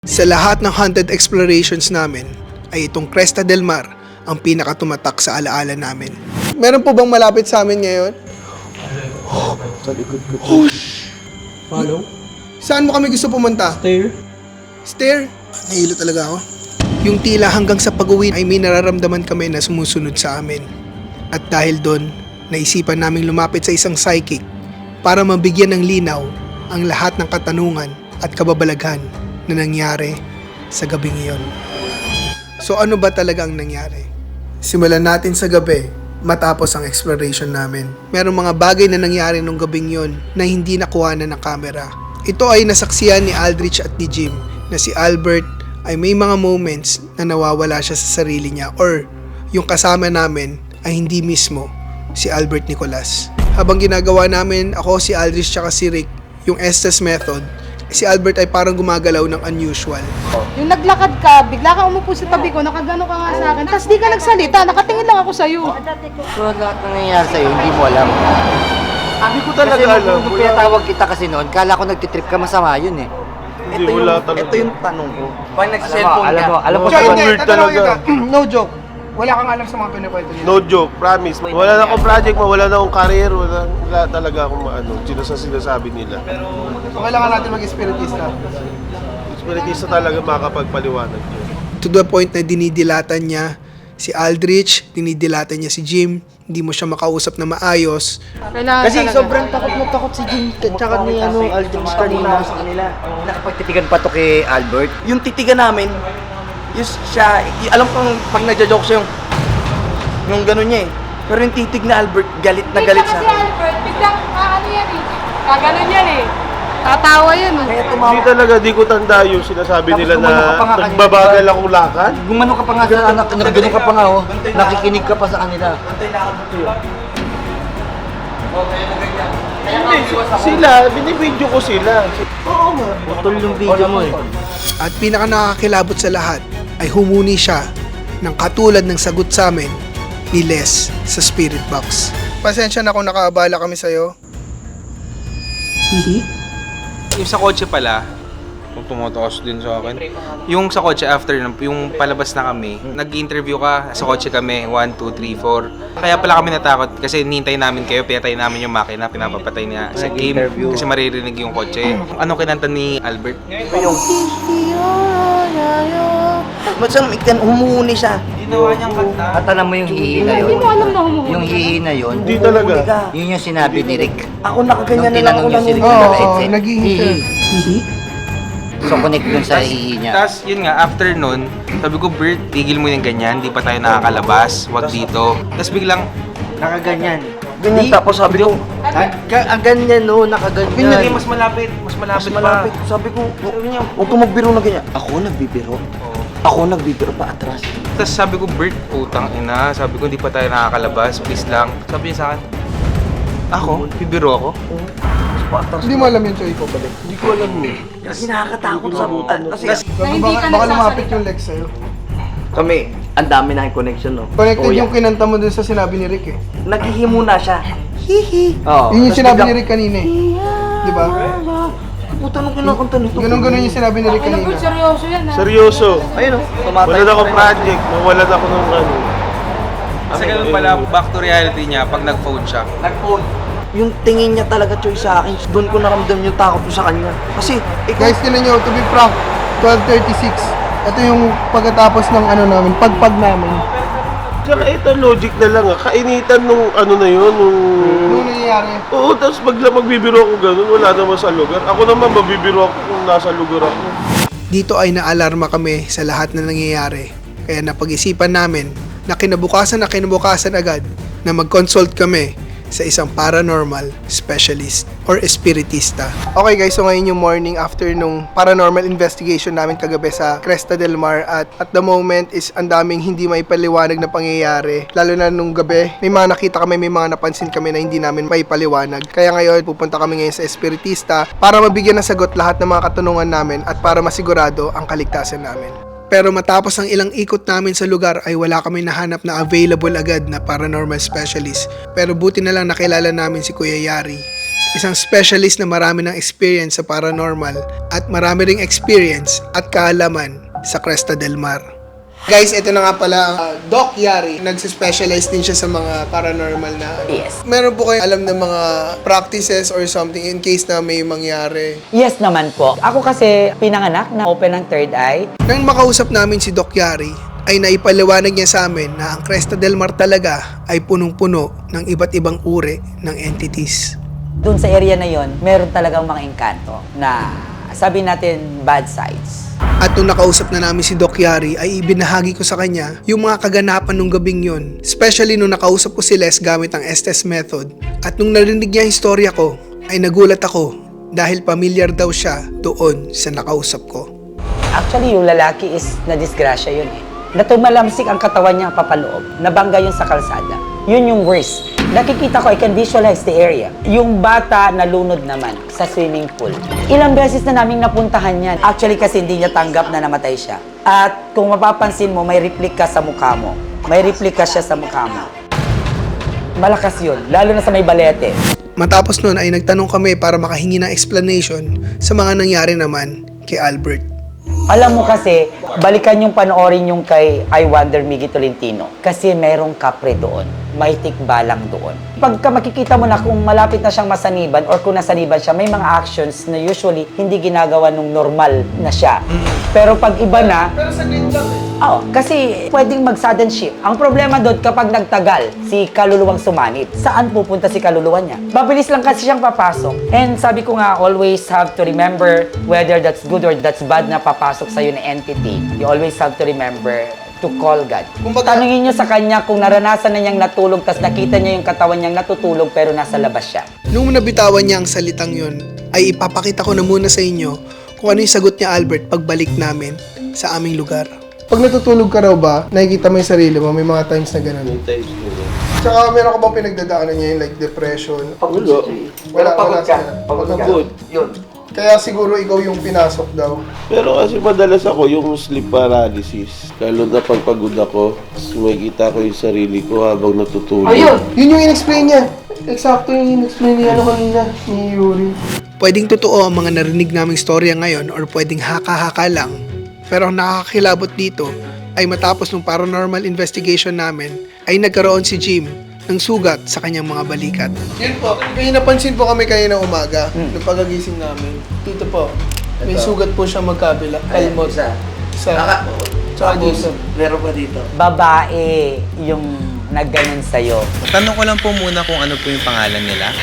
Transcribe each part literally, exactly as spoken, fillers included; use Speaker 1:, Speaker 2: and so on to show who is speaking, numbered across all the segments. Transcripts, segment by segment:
Speaker 1: Sa lahat ng haunted explorations namin, ay itong Cresta del Mar ang pinakatumatak sa alaala namin. Meron po bang malapit sa amin ngayon?
Speaker 2: Sa likod ko.
Speaker 1: Oh,
Speaker 2: Follow?
Speaker 1: saan mo kami gusto pumunta?
Speaker 2: Stair?
Speaker 1: Stair? Nahilo talaga ako. Yung tila hanggang sa pag-uwi ay may nararamdaman kami na sumusunod sa amin. At dahil doon, naisipan naming lumapit sa isang psychic para mabigyan ng linaw ang lahat ng katanungan at kababalaghan na nangyari sa gabing iyon. So ano ba talaga ang nangyari? Simulan natin sa gabi matapos ang exploration namin. Merong mga bagay na nangyari nung gabing yon na hindi nakuha na ng camera. Ito ay nasaksiyan ni Aldrich at ni Jim na si Albert ay may mga moments na nawawala siya sa sarili niya or yung kasama namin ay hindi mismo si Albert Nicolas. Habang ginagawa namin, ako, si Aldrich at si Rick, yung Estes method, si Albert ay parang gumagalaw ng unusual.
Speaker 3: Yung naglakad ka, bigla kang umupo sa tabi ko, nakagano ka nga sa akin, tapos di ka nagsalita, nakatingin lang ako sa'yo.
Speaker 4: So lahat ng nangyayari sa'yo, hindi mo alam.
Speaker 2: Hindi ko talaga
Speaker 4: Kasi
Speaker 2: alam.
Speaker 4: nung, nung pinatawag kita kasi noon, kala ko nagtitrip ka, masama yun eh.
Speaker 2: Hindi,
Speaker 5: Ito yung,
Speaker 2: wala talaga.
Speaker 5: ito yung tanong ko. Pag
Speaker 4: Alam mo,
Speaker 5: nag-cellphone
Speaker 4: alam
Speaker 5: ka,
Speaker 4: mo, alam mo,
Speaker 2: No,
Speaker 1: Joke,
Speaker 2: so
Speaker 1: hindi,
Speaker 2: weird
Speaker 1: tatanungin
Speaker 2: talaga.
Speaker 1: kita. No joke. Wala kang alam sa mga pinakwento nila.
Speaker 2: No joke, promise. Wala na akong project, wala na akong career, wala, wala talaga akong maano, sino sa sinasabi nila.
Speaker 1: So kailangan natin mag-espiritista.
Speaker 2: Spiritista talaga makakapagpaliwanag yun.
Speaker 1: To the point na dinidilatan niya si Aldrich, dinidilatan niya si Jim, hindi mo siya makausap na maayos.
Speaker 3: Kailangan
Speaker 5: kasi
Speaker 3: talaga.
Speaker 5: sobrang takot na takot si Jim tsaka ni ano, Aldrich kanina sa kanila.
Speaker 4: Nakapagtitigan pa to kay Albert.
Speaker 5: Yung titigan namin, yung siya, y- alam kong pag nagja-joke siya yung, yung gano'n niya eh. Pero yung titig na Albert, galit na galit sa
Speaker 3: Kasi
Speaker 5: akin.
Speaker 3: Albert, biglang, ah, ano yan eh, kaganon yan eh. Tatawa yan eh.
Speaker 5: Kaya
Speaker 2: Hindi
Speaker 5: tumawa.
Speaker 2: talaga, di ko tanda yung sinasabi
Speaker 4: Tapos
Speaker 2: nila
Speaker 4: gumano ka pa nga
Speaker 2: na
Speaker 4: kanina,
Speaker 2: nagbabagal
Speaker 4: diba?
Speaker 2: akong lakad.
Speaker 4: Gumano ka pa nga sa anak, nagganong ka pa nga oh. Nakikinig ka pa sa kanila.
Speaker 2: Hindi, sila, binibidyo ko sila. Oo nga.
Speaker 4: Putol yung video mo eh.
Speaker 1: At pinaka nakakilabot sa lahat ay humuni siya ng katulad ng sagot sa amin ni Les sa Spirit Box. Pasensya na kung nakaabala kami sa'yo.
Speaker 6: Yung sa kotse pala, kung tumataas din sa akin. Yung sa kotse after, yung palabas na kami, nag-interview ka, sa kotse kami, one, two, three, four. Kaya pala kami natakot kasi nintay namin kayo, pinatay namin yung makina, pinapapatay niya sa game kasi maririnig yung kotse. Anong kinanta ni Albert?
Speaker 5: Ba't saan ikan humuhuni siya?
Speaker 6: Ginawa niyang kanta.
Speaker 4: At alam mo yung hihi na yun?
Speaker 3: Hindi mo alam na humuhuli.
Speaker 4: Yung hihi na yun,
Speaker 2: Hindi talaga.
Speaker 5: Humuhuni ka.
Speaker 4: yun yung sinabi ni Rick.
Speaker 5: Ako nakaganyan
Speaker 4: Nung
Speaker 5: na lang ako
Speaker 4: tinanong niya si Rick
Speaker 1: Oo,
Speaker 4: na
Speaker 1: oo,
Speaker 4: headset,
Speaker 1: naghihi siya.
Speaker 4: hihi. So connect dun sa hihi niya.
Speaker 6: Tapos yun nga, after nun, sabi ko, Bert, tigil mo yung ganyan, di pa tayo nakakalabas, wag dito. Tapos biglang,
Speaker 4: Nakaganyan.
Speaker 5: Ganyan tapos sabi ko,
Speaker 4: Ang, ang ganyan no, nakaganyan.
Speaker 6: ganyan, mas malapit, mas
Speaker 5: mas
Speaker 6: malapit,
Speaker 5: malapit.
Speaker 6: pa.
Speaker 5: Sabi ko, huwag ka magbiro na ganyan. Ako nagbibiro. Ako nagbibiro pa atras.
Speaker 6: Tapos sabi ko, Bert, putang ina. Sabi ko, hindi pa tayo nakakalabas. Please lang. Sabi niya sa akin, ako? Bibiro ako?
Speaker 5: Pa atras.
Speaker 1: Hindi mo alam yun, Choy, ko balik.
Speaker 2: Hindi ko alam eh.
Speaker 5: Kasi nakakatakot sa... ah, kasi
Speaker 3: Na hindi ka
Speaker 1: Baka lumapit
Speaker 3: nagsasalita.
Speaker 1: yung Lex sa'yo.
Speaker 5: kami, ang dami na connection, no?
Speaker 1: Connected
Speaker 5: Kuya.
Speaker 1: yung kinanta mo dun sa sinabi ni Rick eh.
Speaker 5: Naghihimo na siya. Hihi. Oo.
Speaker 1: Yun yung
Speaker 5: Tas
Speaker 1: sinabi ni
Speaker 5: biglang,
Speaker 1: Rick kanina eh. Di ba?
Speaker 5: Puta nung kinakanta nito.
Speaker 1: Ganun-ganun yung sinabi ni Rick
Speaker 3: Ano
Speaker 1: kanina.
Speaker 3: Bert, seryoso yan ha.
Speaker 2: Seryoso.
Speaker 5: Ayun, oh. Tumatay.
Speaker 2: Wala na akong project, nawalan ako ng ano.
Speaker 6: Kasi ganun pala, back to reality niya pag nag-phone siya.
Speaker 5: Nag-phone. Yung tingin niya talaga, Choy, sa akin, doon ko naramdam yung takot ko sa kanya. Kasi, ikaw,
Speaker 1: Guys, tinan nyo, to be frank, twelve thirty-six. Ito yung pagkatapos ng ano namin, pagpag namin.
Speaker 2: Saka ito, logic na lang ah. Kainitan nung ano na yun, nung...
Speaker 1: Ano nangyayari?
Speaker 2: Oo, tapos bagla magbibiro ako ganun, wala naman sa lugar. Ako naman, mabibiro ako kung nasa lugar ako.
Speaker 1: Dito ay naalarma kami sa lahat na nangyayari. Kaya napag-isipan namin na kinabukasan na kinabukasan agad na mag-consult kami sa isang paranormal specialist or espiritista. Okay guys, so ngayon yung morning after nung paranormal investigation namin kagabi sa Cresta del Mar at at the moment is ang daming hindi may paliwanag na pangyayari. Lalo na nung gabi, may mga nakita kami, may mga napansin kami na hindi namin may paliwanag. Kaya ngayon, pupunta kami ngayon sa espiritista para mabigyan ng sagot lahat ng mga katanungan namin at para masigurado ang kaligtasan namin. Pero matapos ang ilang ikot namin sa lugar ay wala kami nahanap na available agad na paranormal specialist. Pero buti na lang nakilala namin si Kuya Yari. isang specialist na marami ng experience sa paranormal at marami ring experience at kaalaman sa Cresta del Mar. Guys, ito na nga pala ang uh, Doc Yari. Nagsispecialize din siya sa mga paranormal na...
Speaker 7: Yes.
Speaker 1: Meron po kayo alam ng mga practices or something in case na may mangyari?
Speaker 7: Yes naman po. Ako kasi pinanganak na open ang third eye.
Speaker 1: Nang makausap namin si Doc Yari, ay naipaliwanag niya sa amin na ang Cresta del Mar talaga ay punong-puno ng iba't ibang uri ng entities.
Speaker 7: Doon sa area na yon, meron talagang mga engkanto na sabi natin bad sides.
Speaker 1: At nung nakausap na namin si Doc Yari ay ibinahagi ko sa kanya yung mga kaganapan nung gabing yon. Especially nung nakausap ko si Les gamit ang Estes method. At nung narinig niya yung istorya ko ay nagulat ako dahil pamilyar daw siya doon sa nakausap ko.
Speaker 7: Actually, yung lalaki is na-disgrasya yun eh. Natumalamsik ang katawan niya papaloob. Nabangga yun sa kalsada. Yun yung worst. Nakikita ko, I can visualize the area. Yung bata nalunod naman sa swimming pool. Ilang beses na naming napuntahan yan. Actually kasi hindi niya tanggap na namatay siya. At kung mapapansin mo, may replika sa mukha mo. May replika siya sa mukha mo. Malakas yun, lalo na sa may balete.
Speaker 1: Matapos nun ay nagtanong kami para makahingi ng explanation sa mga nangyari naman kay Albert.
Speaker 7: Alam mo kasi, balikan yung panoorin yung kay I Wonder Miggy Tolentino. Kasi merong kapre doon. May tikbalang doon. Pagka makikita mo na kung malapit na siyang masaniban or kung nasaniban siya, may mga actions na usually hindi ginagawa nung normal na siya. Pero pag iba na...
Speaker 1: Pero saglit lang eh.
Speaker 7: Oo, kasi pwedeng mag-sudden shift. Ang problema doon kapag nagtagal si kaluluwang sumanib, saan pupunta si kaluluwa niya? Mabilis lang kasi siyang papasok. And sabi ko nga, always have to remember whether that's good or that's bad na papasok sa'yo na entity. You always have to remember to call God.
Speaker 1: Kumbaga-
Speaker 7: Tanungin niyo sa kanya kung naranasan na niyang natulog tas nakita niya yung katawan niyang natutulog pero nasa labas siya.
Speaker 1: Nung nabitawan niya ang salitang yun, ay ipapakita ko na muna sa inyo kung ano yung sagot niya Albert pagbalik namin sa aming lugar. Pag natutulog ka raw ba, nakikita mo yung sarili mo, may mga times na gano'n.
Speaker 2: Times nila.
Speaker 1: Tsaka meron ka bang pinagdadaanan niya yung like depression?
Speaker 5: Pagod
Speaker 2: Wala.
Speaker 5: siya, eh.
Speaker 1: Wala,
Speaker 5: Pero pagod
Speaker 1: wala
Speaker 5: ka.
Speaker 1: siya.
Speaker 5: Pagod ka.
Speaker 2: Pagod.
Speaker 5: Yun.
Speaker 1: Kaya siguro ikaw yung pinasok daw.
Speaker 2: Pero kasi madalas ako yung sleep paralysis. Lalo na pag pagod ako, makikita ko yung sarili ko habang natutulog.
Speaker 5: Ayun!
Speaker 1: Yun yung in-explain niya. Eksakto yung in-explain niya ano kanina, ni Yuri. Pwedeng totoo ang mga narinig naming storya ngayon or pwedeng haka-haka lang. Pero ang nakakakilabot dito ay matapos ng paranormal investigation namin ay nagkaroon si Jim ng sugat sa kanyang mga balikat. Yun po, may napansin po kami kanina umaga
Speaker 5: Hmm.
Speaker 1: nung pagagising namin. Dito po, may
Speaker 5: Ito.
Speaker 1: sugat po siya magkabila.
Speaker 5: Ayun,
Speaker 1: Kalmot.
Speaker 5: isa.
Speaker 1: Sa,
Speaker 5: Naka,
Speaker 1: Tsaka
Speaker 5: tapos,
Speaker 1: dito.
Speaker 5: meron pa dito.
Speaker 7: Babae yung nagganon sa'yo.
Speaker 6: Tanong ko lang po muna kung ano po yung pangalan nila.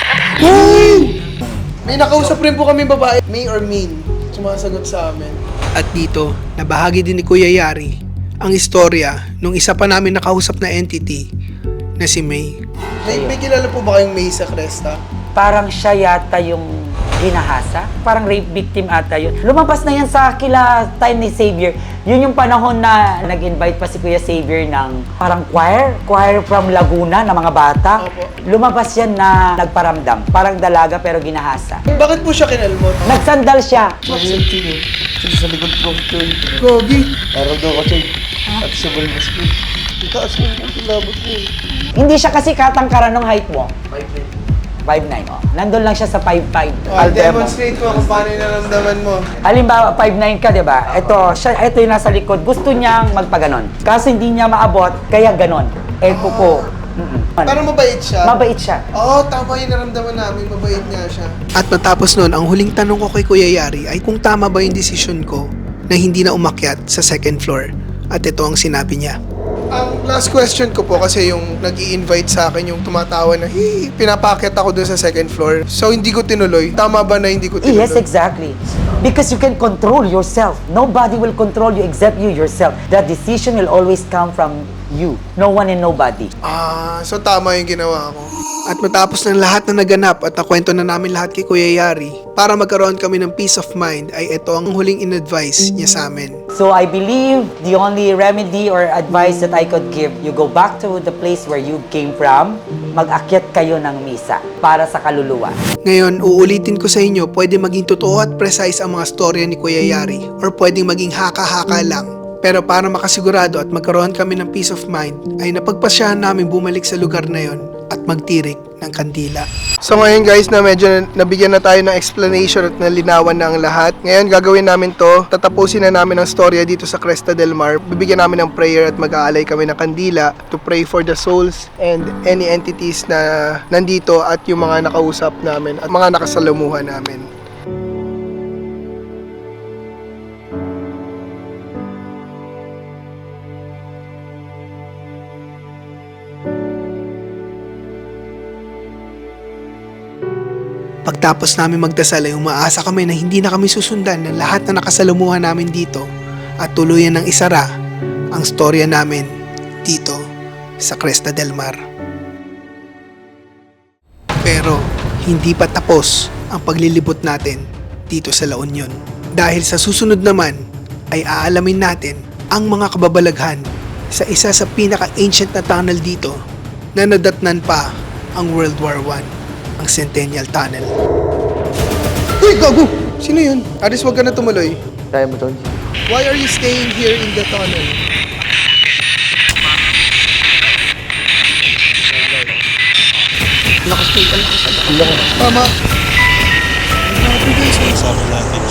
Speaker 1: May nakausap rin po kami babae, May or Min, sumasagot sa amin. At dito, nabahagi din ni Kuya Yari ang istorya nung isa pa namin nakausap na entity na si May. May, may kilala po ba kayong May sa Cresta?
Speaker 7: Parang siya yata yung ginahasa. Parang rape victim ata yun. Lumabas na yan sa kila time ni Xavier. Yun yung panahon na nag-invite pa si Kuya Xavier ng parang choir. Choir from Laguna na mga bata.
Speaker 1: Opo.
Speaker 7: Lumabas yan na nagparamdam. Parang dalaga pero ginahasa.
Speaker 1: Bakit po siya kinalmot?
Speaker 7: Nagsandal siya.
Speaker 5: Mahirap eh. Kasi sa likod ko, Choy.
Speaker 1: Gogi.
Speaker 5: Parang daw ko, Choy. At sa balbas ko.
Speaker 2: Itaas mo yung kilabot mo eh.
Speaker 7: Hindi siya kasi katangkaran ng height mo.
Speaker 5: Five minutes.
Speaker 7: five nine, oh. Nandun lang siya sa five five.
Speaker 1: Oh, demonstrate mo kung paano yung naramdaman mo.
Speaker 7: Halimbawa, five nine ka, di ba? Ito, siya, ito yung nasa likod. Gusto niyang magpaganon. Kaso hindi niya maabot, kaya ganon. Eh, kuko. Mm-mm.
Speaker 1: Pero mabait siya.
Speaker 7: Mabait siya.
Speaker 1: Oo, tama yung naramdaman namin. Mabait nga siya. At matapos nun, ang huling tanong ko kay Kuya Yari ay kung tama ba yung desisyon ko na hindi na umakyat sa second floor. At ito ang sinabi niya. Ang last question ko po kasi yung nag invite sa akin yung tumatawa na hey, pinapakyat ako dun sa second floor. So hindi ko tinuloy. Tama ba na hindi ko tinuloy?
Speaker 7: Yes, exactly. Because you can control yourself. Nobody will control you except you yourself. That decision will always come from you. No one and nobody.
Speaker 1: Ah, so tama yung ginawa ko. At matapos ng lahat na naganap at nakwento na namin lahat kay Kuya Yari, para magkaroon kami ng peace of mind ay ito ang huling in-advise niya sa amin.
Speaker 7: So I believe the only remedy or advice that I could give, you go back to the place where you came from, mag-akyat kayo ng misa para sa kaluluwa.
Speaker 1: Ngayon, uulitin ko sa inyo, pwede maging totoo at precise ang mga storya ni Kuya Yari or pwedeng maging haka-haka lang. Pero para makasigurado at magkaroon kami ng peace of mind, ay napagpasyahan namin bumalik sa lugar na yon at magtirik ng kandila. So ngayon guys na medyo nabigyan na tayo ng explanation at nalinawan na ang lahat. Ngayon gagawin namin to, tatapusin na namin ang storya dito sa Cresta del Mar. Bibigyan namin ng prayer at mag-aalay kami ng kandila to pray for the souls and any entities na nandito at yung mga nakausap namin at mga nakasalamuhan namin. Pagtapos namin magdasal ay umaasa kami na hindi na kami susundan ng lahat na nakasalamuhan namin dito at tuluyan ng isara ang storya namin dito sa Cresta del Mar. Pero hindi pa tapos ang paglilibot natin dito sa La Union. Dahil sa susunod naman ay aalamin natin ang mga kababalaghan sa isa sa pinaka-ancient na tunnel dito na nadatnan pa ang World War One, ang Centennial Tunnel. Uy, gago! Sino yun? Aris, wag ka na tumuloy.
Speaker 5: Kaya mo, Tol?
Speaker 1: Why are you staying here in the tunnel?
Speaker 5: Lakas, Tol. Ang lakas.
Speaker 1: Tama.
Speaker 8: Sabi natin,